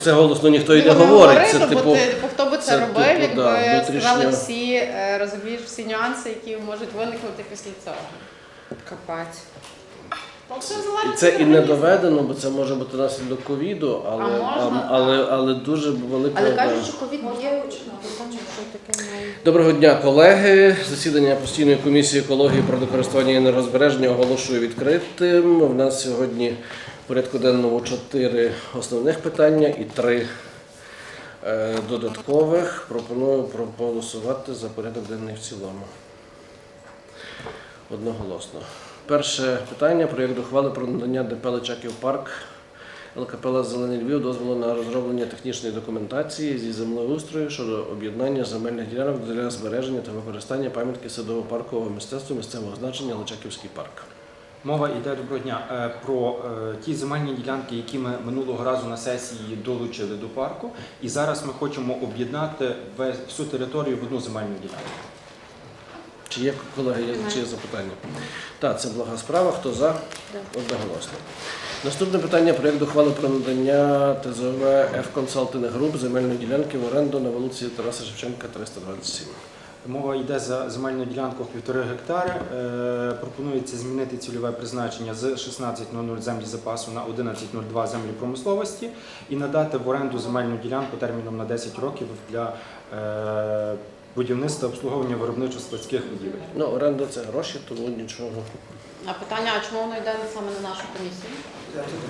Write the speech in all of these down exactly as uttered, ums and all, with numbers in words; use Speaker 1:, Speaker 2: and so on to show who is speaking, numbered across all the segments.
Speaker 1: Це голосно ніхто і не говорить. Це,
Speaker 2: говорити,
Speaker 1: типу,
Speaker 2: бо, ти, бо хто би це,
Speaker 1: це,
Speaker 2: робив,
Speaker 1: типу,
Speaker 2: якби
Speaker 1: да, внутрішньо.
Speaker 2: сказали всі, е, розумієш, всі нюанси, які можуть виникнути після цього.
Speaker 3: Капець.
Speaker 2: То все
Speaker 1: І
Speaker 2: залежить
Speaker 1: це
Speaker 2: від
Speaker 1: і не
Speaker 2: організму.
Speaker 1: доведено, бо це може бути наслідок ковіду, але,
Speaker 2: А можна,
Speaker 1: але, але дуже велика...
Speaker 3: Але кажуть, що ковід є, що таке має.
Speaker 1: Доброго дня, колеги. Засідання постійної комісії екології, природокористування і енергозбереження оголошую відкритим. У нас сьогодні в порядку денному чотири основних питання і три е, додаткових. Пропоную проголосувати за порядок денний в цілому. Одноголосно. Перше питання – проєкт ухвали про надання ДП «Личаків парк» ЛКП «Зелений Львів» дозволу на розроблення технічної документації зі землеустрою щодо об'єднання земельних ділянок для збереження та використання пам'ятки садово-паркового мистецтва місцевого значення «Личаківський парк».
Speaker 4: Мова йде, доброго дня, е, про е, ті земельні ділянки, які ми минулого разу на сесії долучили до парку. І зараз ми хочемо об'єднати весь- всю територію в одну земельну ділянку.
Speaker 1: Чи є, колеги, є, чи є запитання? Так, це блага справа. Хто за? Одноголосно. Наступне питання – проєкт ухвали про надання ТЗОВ F-Consulting Group земельної ділянки в оренду на вулиці Тараса Шевченка, триста двадцять сім.
Speaker 4: Мова йде за земельну ділянку в півтори гектари. Е, пропонується змінити цільове призначення з шістнадцять нуль нуль землі запасу на одинадцять нуль два землі промисловості і надати в оренду земельну ділянку терміном на десять років для е, будівництва обслуговування виробничо-складських будівель.
Speaker 1: Ну, оренда – це гроші, тому нічого.
Speaker 2: А питання, а чому воно йде саме на нашу комісію?
Speaker 5: Я тут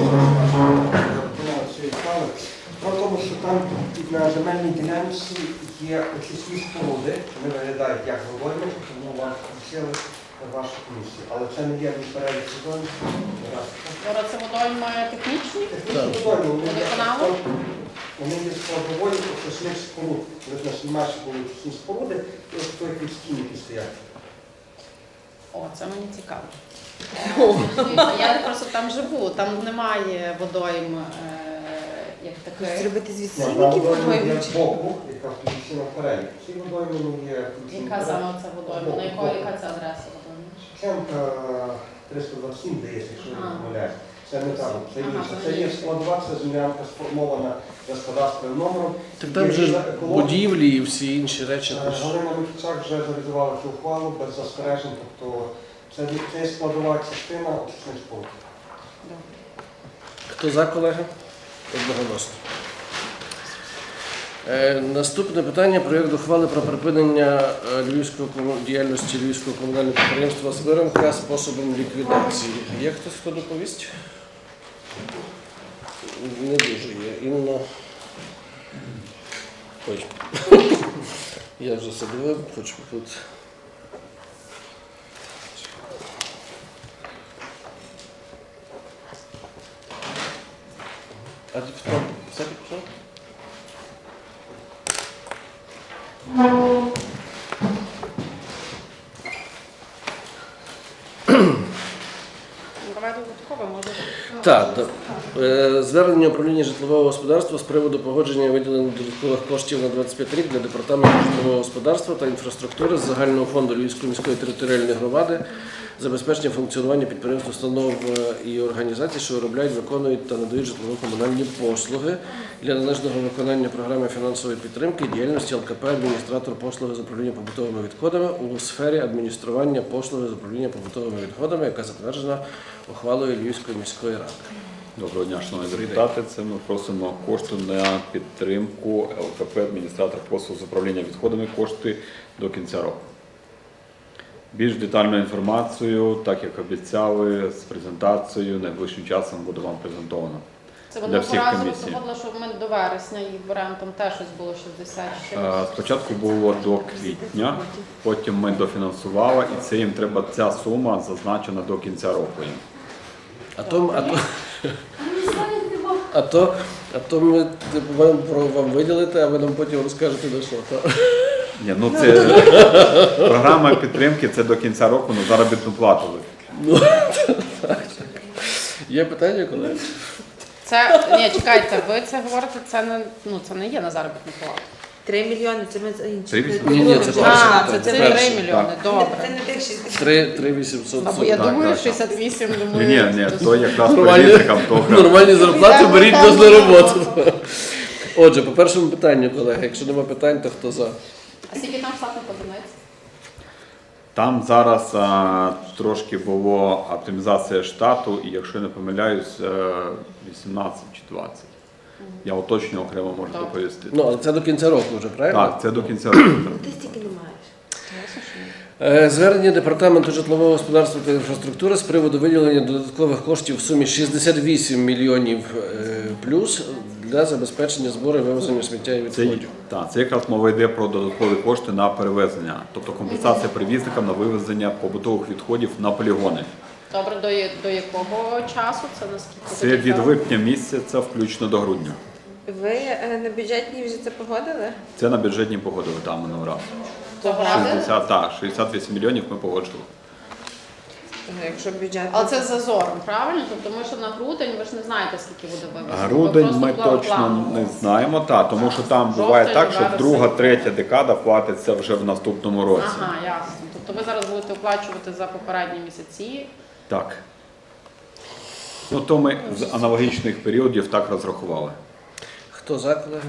Speaker 5: говорю, про тому, що там на земельній ділянці є очисні споруди, вони виглядають як водойми, тому вам включили на вашу комісію. Але це не є в перелік сезонів.
Speaker 2: Юра, це водойми технічні?
Speaker 5: Технічні водойми, вони є
Speaker 2: Водоканалу?
Speaker 5: складовою- вони є складовою очисних споруд. Вони в нас наші були очисні споруди, і ось той стіни, які стоять.
Speaker 2: О, це мені цікаво. Я просто там живу, там немає водойм е, як таких.
Speaker 3: Зробити з
Speaker 5: Ні,
Speaker 3: відсільників
Speaker 5: там водойми є
Speaker 3: водойми?
Speaker 5: збоку, яка включена в перелік. Ці водойми не є включені в
Speaker 2: Яка
Speaker 5: перелік.
Speaker 2: саме це водойма? На якої яка це адреса водойми?
Speaker 5: Шевченка триста двадцять сім, здається, якщо я не
Speaker 2: Ага.
Speaker 5: помиляюсь. Це не там, це
Speaker 2: Ага,
Speaker 5: інше.
Speaker 2: це
Speaker 5: Це є
Speaker 2: інше.
Speaker 5: складова, це землянка сформована за кадастровим номером.
Speaker 1: Так там же ж будівлі і всі інші речі.
Speaker 5: Е,
Speaker 1: тож-
Speaker 5: Галина Микицак вже завізувала цю ухвалу без застережень, тобто це, це є складова частина очисних споруд.
Speaker 1: Хто за, колеги? Одноголосно. Е, наступне питання – проєкт ухвали про припинення е, львівського кому- діяльності Львівського комунального підприємства «Свиримка» способом ліквідації. Є хтось, хто доповість? Не дуже є. Інна. Ой. Я вже садив, хоч тут. А ти хто? Все підписав?
Speaker 2: Давай додатково, може.
Speaker 1: Так, да. Е, звернення управління житлового господарства з приводу погодження виділення додаткових коштів на двадцять п'ятий рік для департаменту житлового господарства та інфраструктури з загального фонду Львівської міської територіальної громади забезпечення функціонування підприємств, установ е, і організацій, що виробляють, виконують та надають житлово-комунальні послуги для належного виконання програми фінансової підтримки діяльності ЛКП «Адміністратор послуги з управління побутовими відходами» у сфері адміністрування послуги з управління побутовими відходами, яка затверджена ухвалою Львівської міської ради.
Speaker 6: Доброго дня, шановні депутати. Це ми просимо кошти на підтримку ЛКП «Адміністратор послуг з управління відходами» кошти до кінця року. Більш детальну інформацію, так як обіцяли, з презентацією найближчим часом буде вам презентовано.
Speaker 2: Це
Speaker 6: Для
Speaker 2: воно
Speaker 6: всіх
Speaker 2: поразило,
Speaker 6: комісій.
Speaker 2: доводило, що ми до вересня їх беремо, там теж щось було шістдесят ще.
Speaker 6: Е, Спочатку було до квітня, потім ми дофінансували, і це їм треба, ця сума зазначена до кінця року. їм.
Speaker 1: А то, а то, а то, а то ми типу, вам, про, вам виділити, а ви нам потім розкажете на що. Та?
Speaker 6: Ні, ну це програма підтримки, це до кінця року на заробітну плату.
Speaker 1: Ну, так. Є питання, колеги?
Speaker 2: Це, ні, чекайте, ви це говорите, це не, ну, це не є на заробітну плату.
Speaker 3: Три мільйони, це ми за інші.
Speaker 6: Три вісім-
Speaker 1: Ні, ні, це
Speaker 3: Вже
Speaker 1: перше.
Speaker 2: А,
Speaker 3: перше.
Speaker 2: це
Speaker 1: це
Speaker 2: три
Speaker 1: перше.
Speaker 2: мільйони,
Speaker 3: Це
Speaker 2: добре.
Speaker 3: не тих шістдесят.
Speaker 1: три, три вісімсот
Speaker 2: Або я
Speaker 6: Так,
Speaker 2: думаю,
Speaker 6: так,
Speaker 2: шістдесят вісім,
Speaker 6: Ні,
Speaker 2: думаю.
Speaker 6: ні, ні, то якраз
Speaker 1: Нормальні,
Speaker 6: перевізникам то окремо.
Speaker 1: нормальні зарплати,
Speaker 2: Йдемо
Speaker 1: беріть
Speaker 2: там
Speaker 1: нас на
Speaker 2: на
Speaker 1: роботу.
Speaker 2: роботу.
Speaker 1: Отже, по першому питанню, колеги, якщо нема питань, то хто за?
Speaker 2: А скільки там штатних одиниць?
Speaker 6: Там зараз а, трошки було оптимізація штату, і якщо я не помиляюсь, е, вісімнадцять чи двадцять. Я уточню окремо можу
Speaker 2: Добре.
Speaker 6: доповісти.
Speaker 1: Ну, але це до кінця року вже, правильно?
Speaker 6: Так, це до кінця року.
Speaker 3: Ти стільки не маєш.
Speaker 1: Е, Звернення Департаменту житлового господарства та інфраструктури з приводу виділення додаткових коштів в сумі шістдесят вісім мільйонів е, плюс для забезпечення збору і вивезення сміття і
Speaker 6: Це,
Speaker 1: відходів.
Speaker 6: так, це якраз мова йде про додаткові кошти на перевезення, тобто компенсація перевізникам на вивезення побутових відходів на полігони.
Speaker 2: Добре, до, я- до якого часу? Це наскільки?
Speaker 6: Це від липня місяця включно до грудня.
Speaker 3: Ви е, на бюджетній вже це погодили?
Speaker 6: Це на бюджетні погодили там минулого разу.
Speaker 2: Погодили?
Speaker 6: шістдесят, так, шістдесят вісім мільйонів ми погоджували.
Speaker 3: Ну, Якщо бюджет.
Speaker 2: Але це з зазором, правильно? Тобто ми що на грудень, ви ж не знаєте, скільки буде вивезено. Ви
Speaker 6: Грудень
Speaker 2: просто
Speaker 6: ми
Speaker 2: пла-
Speaker 6: точно
Speaker 2: планово.
Speaker 6: не знаємо, та, тому що там
Speaker 2: Жовтень,
Speaker 6: буває так, що
Speaker 2: вересень.
Speaker 6: друга, третя декада платиться вже в наступному році.
Speaker 2: Ага, ясно. Тобто ви зараз будете оплачувати за попередні місяці.
Speaker 6: Так. Ну, то ми з аналогічних періодів так розрахували.
Speaker 1: Хто за, колеги?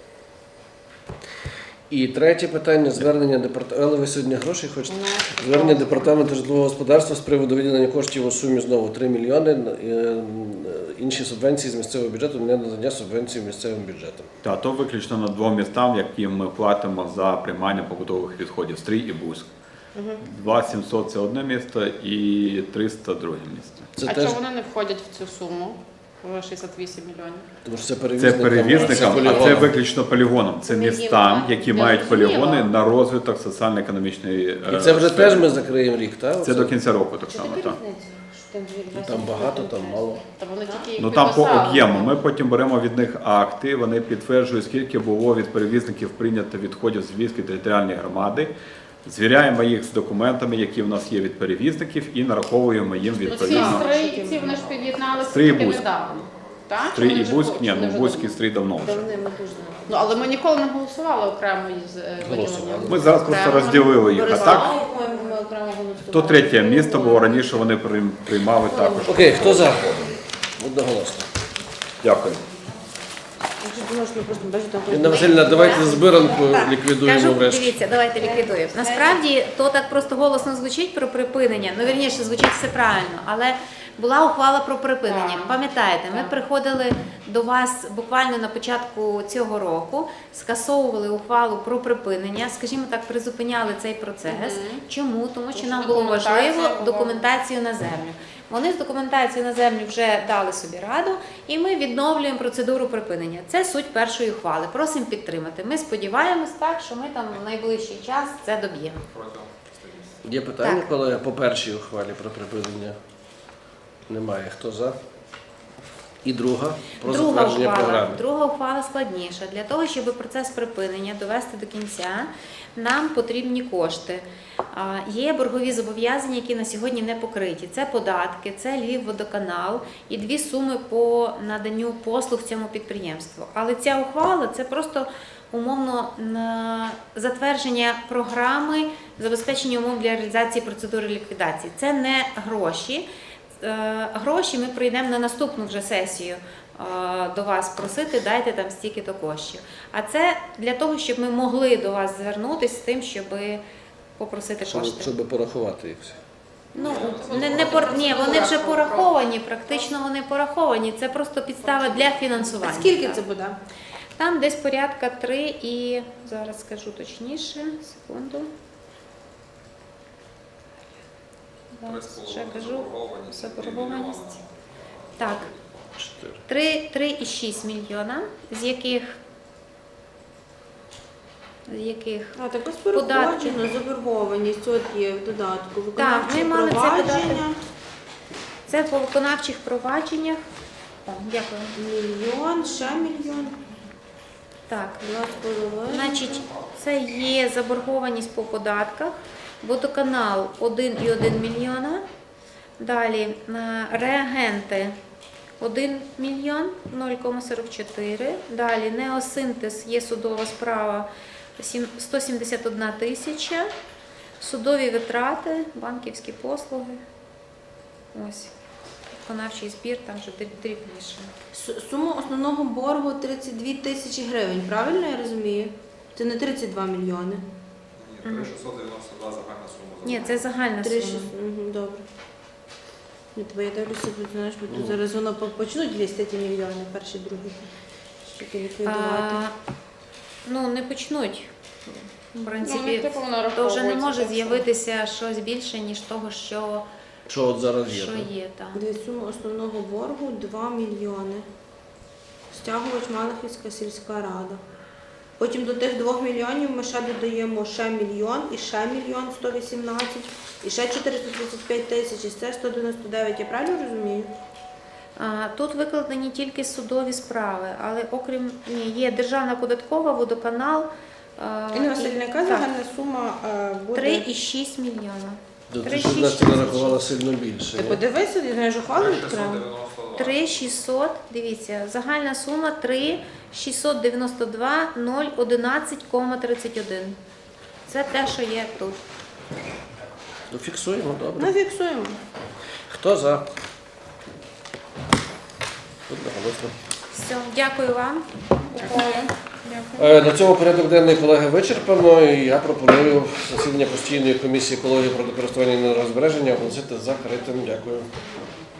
Speaker 1: І третє питання звернення департаменту. Але ви сьогодні гроші хочете? Звернення департаменту житлового господарства з приводу виділення коштів у сумі знову три мільйони. е, Інші субвенції з місцевого бюджету не надання субвенцій місцевим бюджетам.
Speaker 6: Та то виключно на двом містам, які ми платимо за приймання побутових відходів Стрий і Буськ. два сімсот це одне місто і триста друге місто.
Speaker 1: Це
Speaker 2: а
Speaker 1: теж
Speaker 2: чого вони не входять в цю суму? В шістдесят вісім мільйонів.
Speaker 1: тому що це
Speaker 6: Це
Speaker 1: перевізникам.
Speaker 6: перевізникам, а це
Speaker 1: полігоном.
Speaker 6: виключно полігоном. Це
Speaker 3: Це не
Speaker 6: містам,
Speaker 3: їм,
Speaker 6: які
Speaker 2: я
Speaker 6: мають
Speaker 2: зрозуміла.
Speaker 6: полігони на розвиток соціально-економічної.
Speaker 1: І
Speaker 6: е,
Speaker 1: це вже
Speaker 6: сфери.
Speaker 1: теж ми закриємо рік, так?
Speaker 6: Це до кінця року так
Speaker 3: Чи
Speaker 6: само.
Speaker 3: таке
Speaker 6: Так.
Speaker 3: різниця? Що там дві-
Speaker 1: Ну, Там багато, там мало.
Speaker 2: Та вони тільки їх
Speaker 6: Ну там по
Speaker 2: підписали.
Speaker 6: об'єму. Ми потім беремо від них акти, вони підтверджують, скільки було від перевізників прийнято відходів з Львівської територіальної громади. Звіряємо їх з документами, які в нас є від перевізників, і нараховуємо їм
Speaker 2: Ну, ці
Speaker 6: відповідно.
Speaker 2: стрийці, вони ж під'єдналися
Speaker 6: Стрий і
Speaker 2: тільки
Speaker 6: Буськ.
Speaker 2: недавно. Так? Чи
Speaker 6: Стрий
Speaker 2: вони
Speaker 6: і
Speaker 2: вже
Speaker 6: Буськ,
Speaker 2: були?
Speaker 6: ні,
Speaker 2: Чи вони
Speaker 6: ну
Speaker 2: вже
Speaker 6: Буськ і
Speaker 2: давно?
Speaker 6: Стрий давно вже.
Speaker 3: Давним ми дуже не
Speaker 2: Ну, але ми ніколи не голосували окремо із е,
Speaker 1: Голосували.
Speaker 2: виділенням.
Speaker 6: Ми зараз просто
Speaker 2: Окремо.
Speaker 6: розділили їх. А так,
Speaker 3: Борислав, по-моєму, ми окремо голосували.
Speaker 6: то третє місто, бо раніше вони прийм- приймали також.
Speaker 1: Окей, хто за? Одноголосно.
Speaker 6: Дякую.
Speaker 3: Якщо ти можеш, ну, просто бачите, там
Speaker 1: Інна Васильівна, давайте збиранку
Speaker 7: Так,
Speaker 1: ліквідуємо
Speaker 7: кажу,
Speaker 1: врешті.
Speaker 7: дивіться, давайте ліквідуємо. Насправді то так просто голосно звучить про припинення. Ну, вірніше, звучить все правильно, але була ухвала про припинення.
Speaker 2: Так.
Speaker 7: Пам'ятаєте, ми
Speaker 2: Так.
Speaker 7: приходили до вас буквально на початку цього року, скасовували ухвалу про припинення, скажімо так, призупиняли цей процес.
Speaker 2: Мгм.
Speaker 7: Чому? Тому що
Speaker 2: Тому
Speaker 7: нам
Speaker 2: що
Speaker 7: було
Speaker 2: документація
Speaker 7: важливо
Speaker 2: була.
Speaker 7: документацію на землю. Вони з документацією на землю вже дали собі раду, і ми відновлюємо процедуру припинення. Це суть першої ухвали. Просимо підтримати. Ми сподіваємось так, що ми там в найближчий час це доб'ємо.
Speaker 1: Є питання,
Speaker 7: Так.
Speaker 1: колеги, по першій ухвалі про припинення? Немає. Хто за? І друга про
Speaker 7: Друга
Speaker 1: затвердження
Speaker 7: ухвала,
Speaker 1: програми.
Speaker 7: друга ухвала складніша. Для того, щоб процес припинення довести до кінця, нам потрібні кошти. А, Є боргові зобов'язання, які на сьогодні не покриті. Це податки, це Львівводоканал і дві суми по наданню послуг цьому підприємству. Але ця ухвала – це просто умовно на затвердження програми забезпечення умов для реалізації процедури ліквідації. Це не гроші. Е, Гроші ми прийдемо на наступну вже сесію е, до вас просити, дайте там стільки-то коштів. А це для того, щоб ми могли до вас звернутися з тим, щоб попросити
Speaker 1: Щоб,
Speaker 7: кошти.
Speaker 1: щоб порахувати їх всі.
Speaker 7: Ну, не, не пор... Ні, вони вже пораховані, практично вони пораховані. Це просто підстава для
Speaker 3: А
Speaker 7: фінансування.
Speaker 3: скільки це буде?
Speaker 7: Там десь порядка три і, зараз скажу точніше, секунду. Зараз ще кажу, заборгованість. Так,
Speaker 1: Чотири.
Speaker 7: три і шість мільйона, з яких, з яких
Speaker 3: А, так ось
Speaker 7: Податки.
Speaker 3: переходжено, заборгованість, от є в додатку. Виконавчі
Speaker 7: ми мали це
Speaker 3: провадження,
Speaker 7: це по виконавчих провадженнях. Так, дякую.
Speaker 3: мільйон, ще мільйон,
Speaker 7: Так,
Speaker 3: два з половиною.
Speaker 7: значить, це є заборгованість по податках. Водоканал один і один мільйона. Далі е, реагенти один мільйон нуль кома сорок чотири. Далі Неосинтез є судова справа сім- сто сімдесят одна тисяча. Судові витрати, банківські послуги. Ось. Виконавчий збір, там вже дріб- дрібніше.
Speaker 3: С- Сума основного боргу тридцять дві тисячі гривень, правильно я розумію? Це не тридцять два мільйони.
Speaker 8: Ні, три шістсот дев'яносто два загальна сума.
Speaker 7: Ні, це загальна
Speaker 3: Три
Speaker 7: сума.
Speaker 3: шість- Мгм, добре. Ні, бо я дивлюся, тут, знаєш, бо тут зараз воно по- почнуть лізти ті мільйони, перші, другі. Щоб ліквідувати.
Speaker 7: А, ну, не почнуть. В
Speaker 2: Ну,
Speaker 7: принципі,
Speaker 2: типу, воно
Speaker 7: то вже не
Speaker 2: раховується
Speaker 7: може
Speaker 2: так само.
Speaker 7: з'явитися щось більше, ніж того, що,
Speaker 1: Що от зараз є?
Speaker 7: що
Speaker 1: так?
Speaker 7: є там.
Speaker 3: Дивись, сума основного боргу два мільйони. Стягувач Малахівська сільська рада. Потім до тих двох мільйонів ми ще додаємо ще мільйон, і ще мільйон сто вісімнадцять, і ще чотириста тридцять п'ять тисяч, і це сто дев'яносто дев'ять, я правильно розумію?
Speaker 7: А, тут викладені тільки судові справи, але окрім ні, є Державна податкова, водоканал. а,
Speaker 3: Інна
Speaker 7: і-
Speaker 3: Васильівна, яка
Speaker 7: так,
Speaker 3: загальна сума е, буде?
Speaker 7: три і шість мільйона.
Speaker 1: Тобто,
Speaker 7: Три
Speaker 1: щоб
Speaker 7: шість
Speaker 1: Настя
Speaker 7: тисяч.
Speaker 1: нарахувала сильно більше.
Speaker 3: Ти
Speaker 1: ні?
Speaker 3: подивися, я не ж ухвалу
Speaker 8: три
Speaker 3: відкрила.
Speaker 8: шістсот дев'яносто два.
Speaker 7: три шістсот, дивіться, загальна сума три шістсот дев'яносто два нуль одинадцять кома тридцять один. Це те, що є тут.
Speaker 1: Ну, фіксуємо, добре.
Speaker 3: Ну, фіксуємо.
Speaker 1: Хто за? Одноголосно.
Speaker 7: Все, дякую вам.
Speaker 1: Е, На цьому порядок денний, колеги, вичерпано. І я пропоную засідання постійної комісії екології природокористування і енергозбереження оголосити закритим. Дякую.